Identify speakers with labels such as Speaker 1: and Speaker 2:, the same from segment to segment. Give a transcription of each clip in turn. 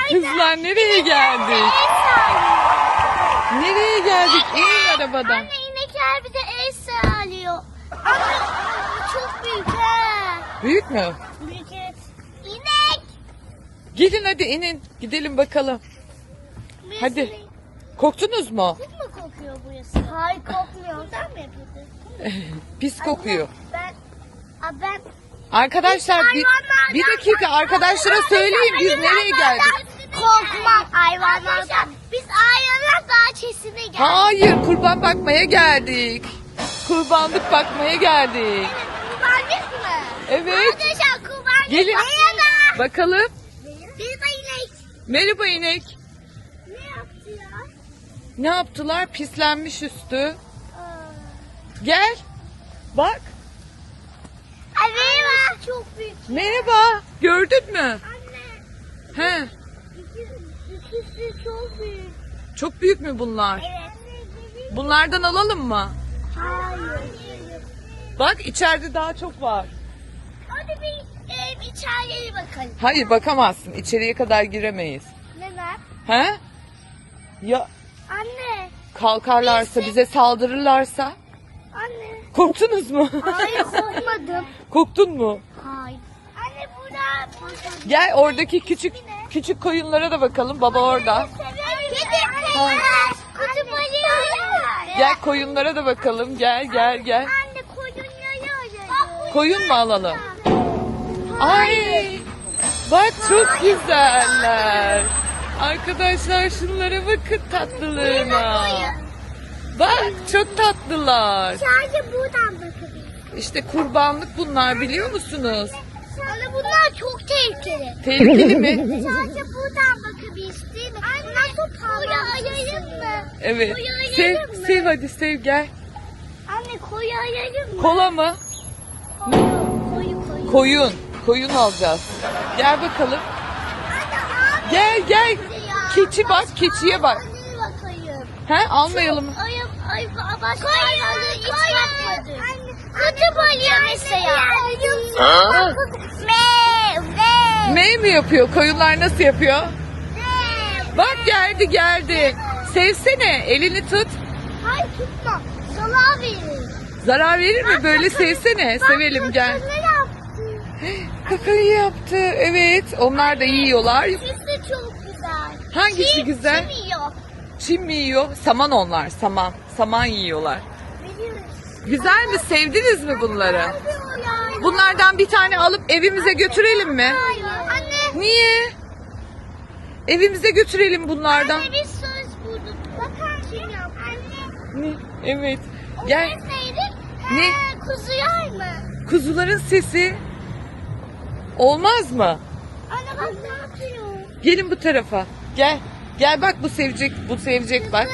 Speaker 1: Kızlar nereye geldik? Nereye geldik? İnin arabadan.
Speaker 2: Anne inekler bize el sağlıyor. Anne bu çok büyük ha.
Speaker 1: Büyük mü?
Speaker 2: Büyük evet. İnek.
Speaker 1: Gelin hadi inin. Gidelim bakalım. Hadi. Korktunuz mu?
Speaker 2: Çok mu kokuyor burası? Hayır kokmuyor. Buradan mı yapıyorsun?
Speaker 1: Pis kokuyor.
Speaker 2: Ben
Speaker 1: Arkadaşlar bir dakika arkadaşlara söyleyin biz nereye geldik?
Speaker 2: Korkmam hayvanlardan. Biz hayvanlar bahçesine geldik.
Speaker 1: Hayır kurban bakmaya geldik. Kurbanlık bakmaya geldik.
Speaker 2: Kurbanlık mı?
Speaker 1: Evet.
Speaker 2: Arkadaşlar kurbanlık.
Speaker 1: Gelin.
Speaker 2: Merhaba.
Speaker 1: Bakalım.
Speaker 2: Merhaba inek.
Speaker 1: Merhaba inek.
Speaker 2: Ne yaptı ya?
Speaker 1: Ne yaptılar? Pislenmiş üstü. Gel. Bak.
Speaker 2: Ay merhaba. Çok büyük.
Speaker 1: Merhaba. Gördün mü?
Speaker 2: Anne.
Speaker 1: He.
Speaker 2: İkisi çok büyük.
Speaker 1: Çok büyük mü bunlar?
Speaker 2: Evet.
Speaker 1: Bunlardan alalım mı?
Speaker 2: Hayır.
Speaker 1: Bak içeride daha çok var.
Speaker 2: Hadi bir içeriye bakalım.
Speaker 1: Hayır bakamazsın. İçeriye kadar giremeyiz.
Speaker 2: Neden?
Speaker 1: He? Ya
Speaker 2: Anne.
Speaker 1: kalkarlarsa bize saldırırlarsa?
Speaker 2: Anne.
Speaker 1: Korktunuz mu?
Speaker 2: Hayır korkmadım.
Speaker 1: Korktun mu?
Speaker 2: Hayır. Anne burada.
Speaker 1: Gel oradaki küçük koyunlara da bakalım. Baba orada.
Speaker 2: Kedi. Kutu balığı.
Speaker 1: Gel koyunlara da bakalım. Gel.
Speaker 2: Anne koyunları arıyorum.
Speaker 1: Koyun mu alalım? Ay! Bak çok güzeller. Arkadaşlar şunlara bakın tatlılığına. Bak çok tatlılar.
Speaker 2: Sadece buradan bakabilirim.
Speaker 1: İşte kurbanlık bunlar biliyor musunuz?
Speaker 2: Anne bunlar çok tehlikeli.
Speaker 1: Tehlikeli mi?
Speaker 2: Sadece buradan bakabiliriz değil mi? Anne koyu arayalım mı?
Speaker 1: Evet.
Speaker 2: Koyu
Speaker 1: Sev,
Speaker 2: arayalım mı?
Speaker 1: sev hadi sev gel.
Speaker 2: Anne koyu arayalım mı?
Speaker 1: Kola mı?
Speaker 2: Koyu.
Speaker 1: Koyun. Koyun alacağız. Gel bakalım.
Speaker 2: Anne abi.
Speaker 1: Gel. Keçi bak, keçiye bak.
Speaker 2: Hadi bakayım.
Speaker 1: He almayalım mı?
Speaker 2: Ay başka hayvanları hiç bakmadım. Kutu balığı mesela.
Speaker 1: Me mi yapıyor? Koyunlar nasıl yapıyor? Bak geldi. Sevsene. Elini tut.
Speaker 2: Hayır tutma. Salağa verir.
Speaker 1: Zarar verir mi? Böyle sevsene. Sevelim gel.
Speaker 2: Ne yaptı?
Speaker 1: Kakayı yaptı. Evet. Onlar da yiyorlar.
Speaker 2: Sesi çok güzel.
Speaker 1: Hangisi güzel?
Speaker 2: Kim yiyor?
Speaker 1: Çim mi yiyor? Saman onlar. Saman. Saman yiyorlar.
Speaker 2: Biliyoruz.
Speaker 1: Güzel mi? Sevdiniz mi bunları?
Speaker 2: Yani.
Speaker 1: Bunlardan bir tane alıp evimize götürelim mi?
Speaker 2: Hayır. Anne.
Speaker 1: Niye? Evimize götürelim bunlardan.
Speaker 2: Anne biz söz bulduk. Bakar kim yap? Anne.
Speaker 1: Ne? Evet. Gel.
Speaker 2: Ses neydi?
Speaker 1: Ne?
Speaker 2: Kuzu yer mi?
Speaker 1: Kuzuların sesi. Olmaz mı?
Speaker 2: Anne bak ne yapıyor?
Speaker 1: Gelin bu tarafa. Gel. Gel bak bu sevecek. Bu sevecek bak.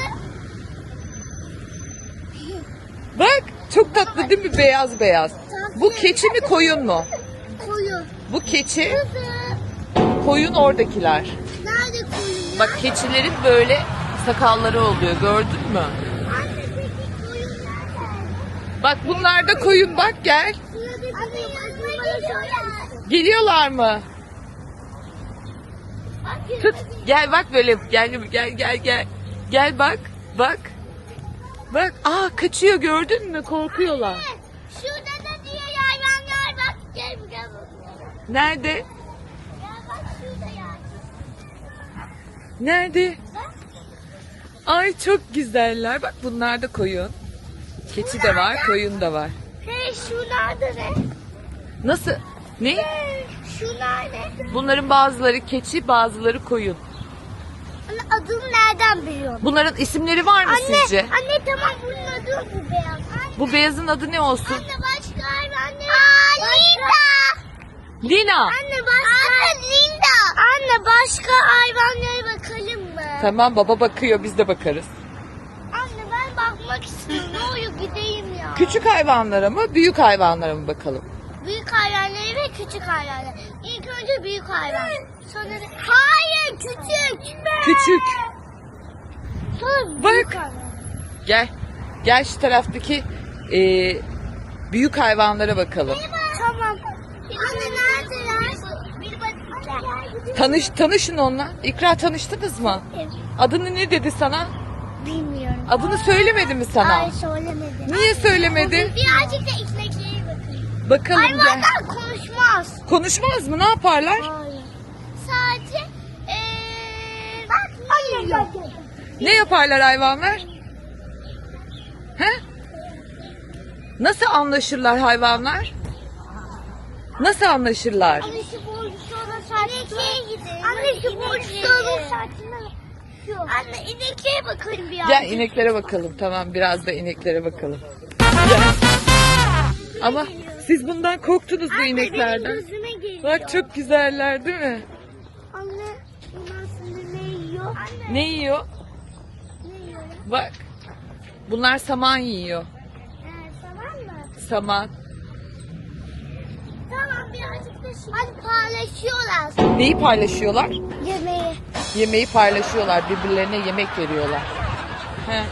Speaker 1: Bak çok tatlı değil mi? Beyaz beyaz. Bu keçi mi koyun mu?
Speaker 2: Koyun.
Speaker 1: Bu keçi,
Speaker 2: Kuzu.
Speaker 1: koyun oradakiler.
Speaker 2: Nerede koyun?
Speaker 1: Bak keçilerin böyle sakalları oluyor. Gördün mü?
Speaker 2: Anne peki koyun nerede?
Speaker 1: Bak bunlar da koyun bak gel.
Speaker 2: Anne yanıma geliyorlar.
Speaker 1: Geliyorlar mı? Tut. Gel bak böyle. Gel. Gel bak. Bak. Bak. Aa kaçıyor gördün mü? Korkuyorlar.
Speaker 2: Şurada da diğer hayvanlar bak. Gel bak.
Speaker 1: Nerede?
Speaker 2: Gel bak şurada ya.
Speaker 1: Nerede? Ay çok güzeller. Bak bunlar da koyun. Keçi de var, koyun da var.
Speaker 2: Hey şunlarda ne?
Speaker 1: Nasıl? Ne?
Speaker 2: Şunlar ne?
Speaker 1: Bunların bazıları keçi, bazıları koyun.
Speaker 2: Anne adını nereden biliyorsun?
Speaker 1: Bunların isimleri var mı sizce?
Speaker 2: Anne tamam bunun adı bu beyaz. Anne,
Speaker 1: Bu beyazın adı ne olsun?
Speaker 2: anne başka hayvanlar. Linda.
Speaker 1: Lina.
Speaker 2: Anne başka. Anne Linda. Anne başka hayvanlara bakalım mı?
Speaker 1: Tamam baba bakıyor biz de bakarız.
Speaker 2: Anne ben bakmak istiyorum. Ne olur gideyim ya.
Speaker 1: Küçük hayvanlara mı büyük hayvanlara mı bakalım?
Speaker 2: Büyük hayvanları ve küçük hayvanları. İlk önce büyük hayvan. Sonra hayır küçük.
Speaker 1: Küçük.
Speaker 2: Sonra
Speaker 1: Bak.
Speaker 2: büyük hayvan.
Speaker 1: Gel. Gel şu taraftaki büyük hayvanlara bakalım.
Speaker 2: Tamam. Anne neredeler? Bir bakacağım.
Speaker 1: Tanışın onunla. İkra, tanıştınız mı?
Speaker 2: Evet.
Speaker 1: Adını ne dedi sana?
Speaker 2: Bilmiyorum.
Speaker 1: Adını söylemedi mi sana?
Speaker 2: Ay söylemedi.
Speaker 1: Niye söylemedi?
Speaker 2: Birazcık da ineklere bakın.
Speaker 1: Bakalım gel.
Speaker 2: Hayvanlar konuşmaz.
Speaker 1: Konuşmaz mı? Ne yaparlar?
Speaker 2: Hayır. Sadece bak yiyor.
Speaker 1: Ne yaparlar hayvanlar? He? Nasıl anlaşırlar hayvanlar? Nasıl anlaşırlar?
Speaker 2: Anne şu boncuklara saçına gidin. Anne şu boncuklara saçına. Anne ineklere bakın biraz.
Speaker 1: Gel ineklere bakalım. Tamam, biraz da ineklere bakalım. Gel. Ama siz bundan korktunuz bu ineklerden.
Speaker 2: Benim gözüme geliyor.
Speaker 1: Bak çok güzeller değil mi?
Speaker 2: Anne bunlar şimdi ne yiyor? Anne
Speaker 1: Ne yiyor?
Speaker 2: ne yiyor?
Speaker 1: Bak. Bunlar saman yiyor.
Speaker 2: Tamam mı?
Speaker 1: Saman.
Speaker 2: Tamam birazcık da şimdi. Hadi paylaşıyorlar.
Speaker 1: Neyi paylaşıyorlar?
Speaker 2: Yemeği.
Speaker 1: Yemeği paylaşıyorlar. Birbirlerine yemek veriyorlar. He.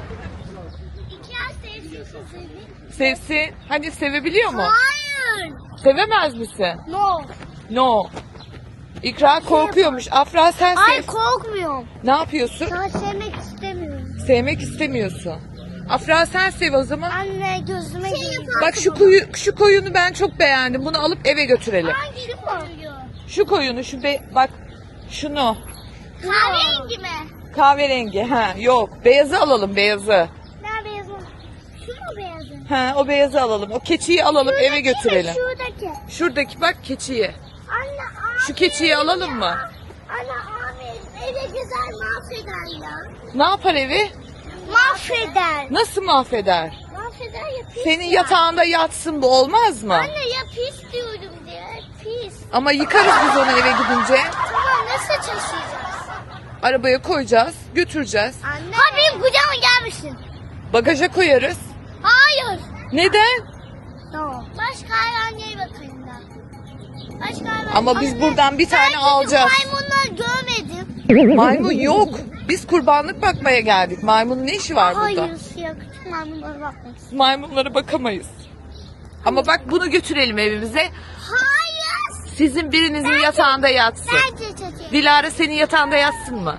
Speaker 2: İki ay sevsin.
Speaker 1: Sevsin. Hani sevebiliyor mu?
Speaker 2: Hayır.
Speaker 1: Sevemez misin?
Speaker 2: No.
Speaker 1: No. İkra korkuyormuş. Afra sen
Speaker 2: Ay
Speaker 1: sev.
Speaker 2: korkmuyorum.
Speaker 1: Ne yapıyorsun?
Speaker 2: Sana sevmek istemiyorum.
Speaker 1: Sevmek istemiyorsun. Afra sen sev o zaman.
Speaker 2: Anne gözüme geliyor.
Speaker 1: Bak şu koyunu ben çok beğendim. Bunu alıp eve götürelim.
Speaker 2: Hangi koyuyor?
Speaker 1: Şu koyunu bak şunu.
Speaker 2: Kahverengi mi?
Speaker 1: Kahverengi. Ha yok. Beyazı alalım, beyazı.
Speaker 2: Ne beyazı? Şu mu beyazı?
Speaker 1: Ha o beyazı alalım. O keçiyi alalım eve götürelim.
Speaker 2: Şuradaki.
Speaker 1: Şuradaki bak keçiyi.
Speaker 2: Anne
Speaker 1: Şu keçiyi alalım mı?
Speaker 2: Anne abi eve güzel mahveder ya.
Speaker 1: Ne yapar evi?
Speaker 2: Mahveder.
Speaker 1: Nasıl mahveder?
Speaker 2: Mahveder ya pis.
Speaker 1: Senin
Speaker 2: ya.
Speaker 1: yatağında yatsın, bu olmaz mı?
Speaker 2: Anne ya pis diyorum diye. Pis.
Speaker 1: Ama yıkarız biz onu eve gidince.
Speaker 2: Tamam nasıl taşıyacağız?
Speaker 1: Arabaya koyacağız, götüreceğiz.
Speaker 2: Anne. Ha benim kucağıma gelmişsin.
Speaker 1: Bagaja koyarız.
Speaker 2: Hayır.
Speaker 1: Neden?
Speaker 2: Tamam. Başka hayvanlara bakayım da. Başka hayvan.
Speaker 1: Ama biz buradan bir tane
Speaker 2: ben
Speaker 1: alacağız.
Speaker 2: maymunlar görmedim.
Speaker 1: Maymun yok. Biz kurbanlık bakmaya geldik. Maymunun ne işi var burada?
Speaker 2: Hayır siyah küçük maymunlara bakmak istiyorum.
Speaker 1: Maymunlara bakamayız. Ama bak bunu götürelim evimize.
Speaker 2: Hayır.
Speaker 1: Sizin birinizin yatağında yatsın.
Speaker 2: Bence çocuğum.
Speaker 1: Dilara senin yatağında yatsın mı?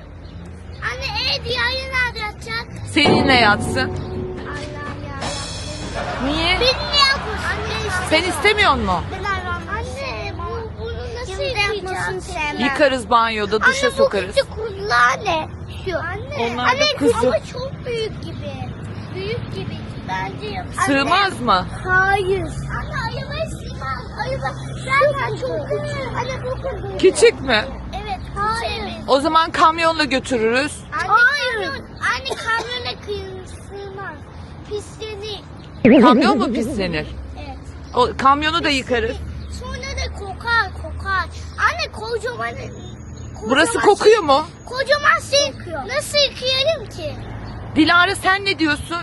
Speaker 2: Anne diğeri nerede yatacak?
Speaker 1: Seninle yatsın.
Speaker 2: Allah'ım ya.
Speaker 1: Niye?
Speaker 2: Bilmiyorum. Anne işte.
Speaker 1: Sen istemiyor musun?
Speaker 2: Ben hayvan. Anne bunu nasıl yıkayacağız?
Speaker 1: Yıkarız banyoda, duşa
Speaker 2: Anne
Speaker 1: sokarız.
Speaker 2: bu küçük kuzular ne? Şu. Anne.
Speaker 1: Onlar da
Speaker 2: Anne
Speaker 1: kuzu.
Speaker 2: ama çok büyük gibi. Büyük gibi. Bence yap.
Speaker 1: Sığmaz mı?
Speaker 2: Hayır. Anne ayıma sığmaz. Ayıma. Ben çok küçük. Anne çok küçük.
Speaker 1: Küçük mü?
Speaker 2: Evet. Hayır.
Speaker 1: O zaman kamyonla götürürüz.
Speaker 2: Hayır. Anne kamyona sığmaz. Pislenir.
Speaker 1: Kamyon mu pislenir?
Speaker 2: Evet.
Speaker 1: O kamyonu da yıkarız.
Speaker 2: Sonra da kokar. Anne kocaman.
Speaker 1: Burası kokuyor mu?
Speaker 2: Kocaman şey. Nasıl yıkayalım ki?
Speaker 1: Dilara sen ne diyorsun?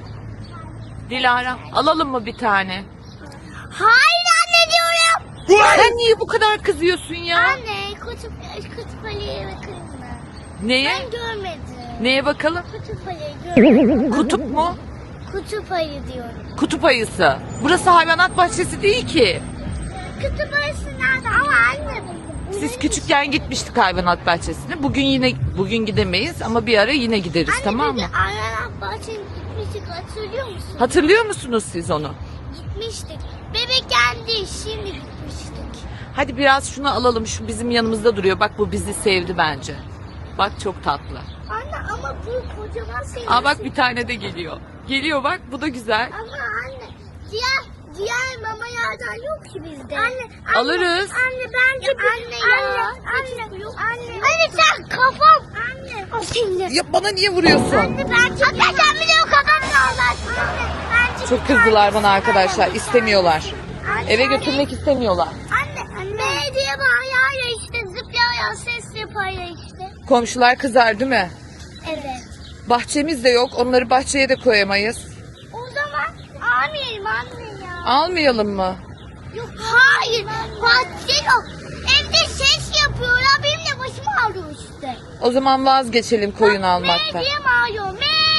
Speaker 1: Dilara alalım mı bir tane?
Speaker 2: Hayır anne diyorum.
Speaker 1: Sen niye bu kadar kızıyorsun ya?
Speaker 2: Anne kutup ayıya bakayım mı?
Speaker 1: Neye?
Speaker 2: Ben görmedim.
Speaker 1: Neye bakalım?
Speaker 2: Kutup ayı görmedim.
Speaker 1: Kutup mu?
Speaker 2: Kutup ayı diyorum.
Speaker 1: Kutup ayısı. Burası hayvanat bahçesi değil ki.
Speaker 2: Kutup ayısı nerede? Ama anne.
Speaker 1: Siz küçükken gitmiştik hayvanat bahçesine. Bugün gidemeyiz ama bir ara yine gideriz,
Speaker 2: Anne,
Speaker 1: tamam
Speaker 2: biz
Speaker 1: mı?
Speaker 2: de Aynen bahçeye gitmiştik hatırlıyor musun?
Speaker 1: Hatırlıyor musunuz siz onu?
Speaker 2: Gitmiştik. Bebekken değil şimdi gitmiştik.
Speaker 1: Hadi biraz şunu alalım. Şu bizim yanımızda duruyor. Bak bu bizi sevdi bence. Bak çok tatlı.
Speaker 2: Anne ama bu kocaman şey.
Speaker 1: Aa bak bir tane de geliyor. Geliyor bak, bu da güzel.
Speaker 2: Ama anne diğer mama yerden yok ki bizde. Anne
Speaker 1: Alırız.
Speaker 2: Anne bence Anne sen kafam. Anne.
Speaker 1: Ya bana niye vuruyorsun?
Speaker 2: Anne bence. Anne sen bir de o kafam Allah. Anne bence.
Speaker 1: Çok kızdılar bana arkadaşlar. İstemiyorlar. Eve götürmek istemiyorlar.
Speaker 2: Anne. Belediye bağırıyor ya işte zıplıyor ses yapıyor ya işte.
Speaker 1: Komşular kızar değil mi?
Speaker 2: Evet.
Speaker 1: Bahçemiz de yok. Onları bahçeye de koyamayız.
Speaker 2: O zaman almayalım anne ya.
Speaker 1: Almayalım mı?
Speaker 2: Yok hayır. Bahçe yok. Evde ses yapıyorlar. Benim de başım ağrıyor işte.
Speaker 1: O zaman vazgeçelim koyun almaktan.
Speaker 2: Diye bağırıyor.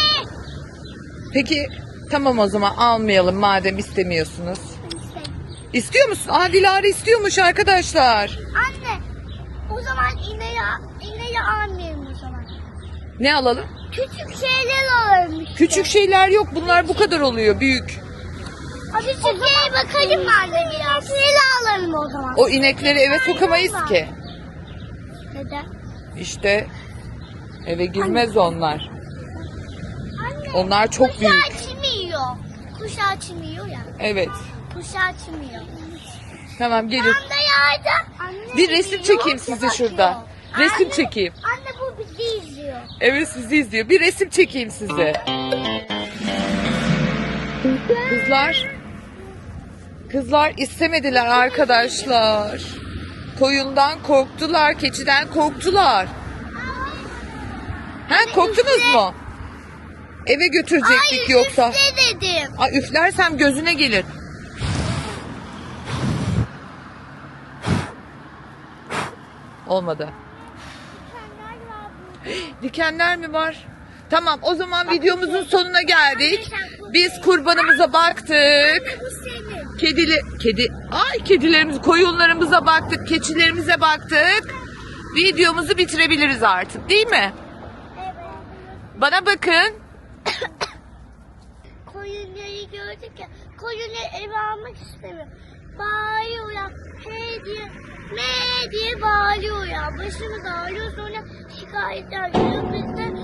Speaker 1: Peki tamam, o zaman almayalım madem istemiyorsunuz. İstiyor musun? Aa Dilara istiyormuş arkadaşlar.
Speaker 2: Anne O zaman ineği almayalım o zaman.
Speaker 1: Ne alalım?
Speaker 2: Küçük şeyler alalım işte.
Speaker 1: Küçük şeyler yok. Bunlar bu kadar oluyor. Büyük.
Speaker 2: Küçük şeye bakalım anne biraz. Neyle alalım o zaman?
Speaker 1: O inekleri eve sokamayız ki.
Speaker 2: Neden?
Speaker 1: İşte eve girmez onlar.
Speaker 2: Anne.
Speaker 1: Onlar çok
Speaker 2: Kuş
Speaker 1: büyük.
Speaker 2: açmıyor. Kuş açmıyor ya.
Speaker 1: Evet.
Speaker 2: Kuş açmıyor.
Speaker 1: Tamam gelin.
Speaker 2: Tam da yerde. Anne,
Speaker 1: Bir resim çekeyim size şurada. Resim
Speaker 2: Anne,
Speaker 1: çekeyim.
Speaker 2: Anne bu bizi izliyor.
Speaker 1: Evet sizi izliyor. Bir resim çekeyim size. Kızlar istemediler arkadaşlar. Koyundan korktular, keçiden korktular. Ha korktunuz mu? Eve götürecektik
Speaker 2: Hayır,
Speaker 1: yoksa.
Speaker 2: üfle dedim.
Speaker 1: Ay üflersem gözüne gelir. Olmadı. Dikenler mi var? Tamam o zaman videomuzun sonuna geldik. Biz kurbanımıza baktık.
Speaker 2: Bu senin.
Speaker 1: Kedilerimiz, koyunlarımıza baktık, keçilerimize baktık. Videomuzu bitirebiliriz artık, değil mi?
Speaker 2: Evet.
Speaker 1: Bana bakın.
Speaker 2: Koyunları gördük ya. Koyunları eve almak istemiyor. Bağırıyor ya. He diye, me diye bağırıyor ya. Başımız ağrıyor, sonra şikayetler geliyor. Biz de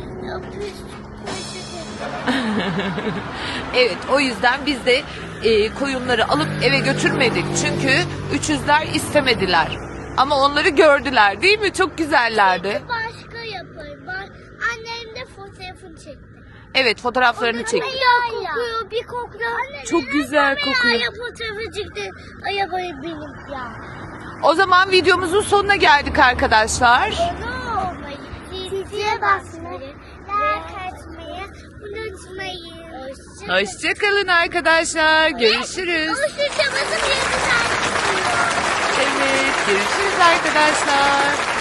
Speaker 1: Evet o yüzden biz de koyunları alıp eve götürmedik. Çünkü üçüzler istemediler. Ama onları gördüler değil mi? Çok güzellerdi.
Speaker 2: başka yaparım. Annem de fotoğrafını çekti.
Speaker 1: Evet fotoğraflarını çektik.
Speaker 2: Bir kokuyor, bir kokuyor. Anne,
Speaker 1: Çok güzel kokuyor.
Speaker 2: Ya fotoğrafı çıktı. Arabayı benim ya.
Speaker 1: O zaman videomuzun sonuna geldik arkadaşlar.
Speaker 2: Abone olmayı, zile basmayı, like atmayı unutmayın.
Speaker 1: Hoşçakalın arkadaşlar. Görüşürüz.
Speaker 2: Hoşçakalın.
Speaker 1: Evet görüşürüz arkadaşlar.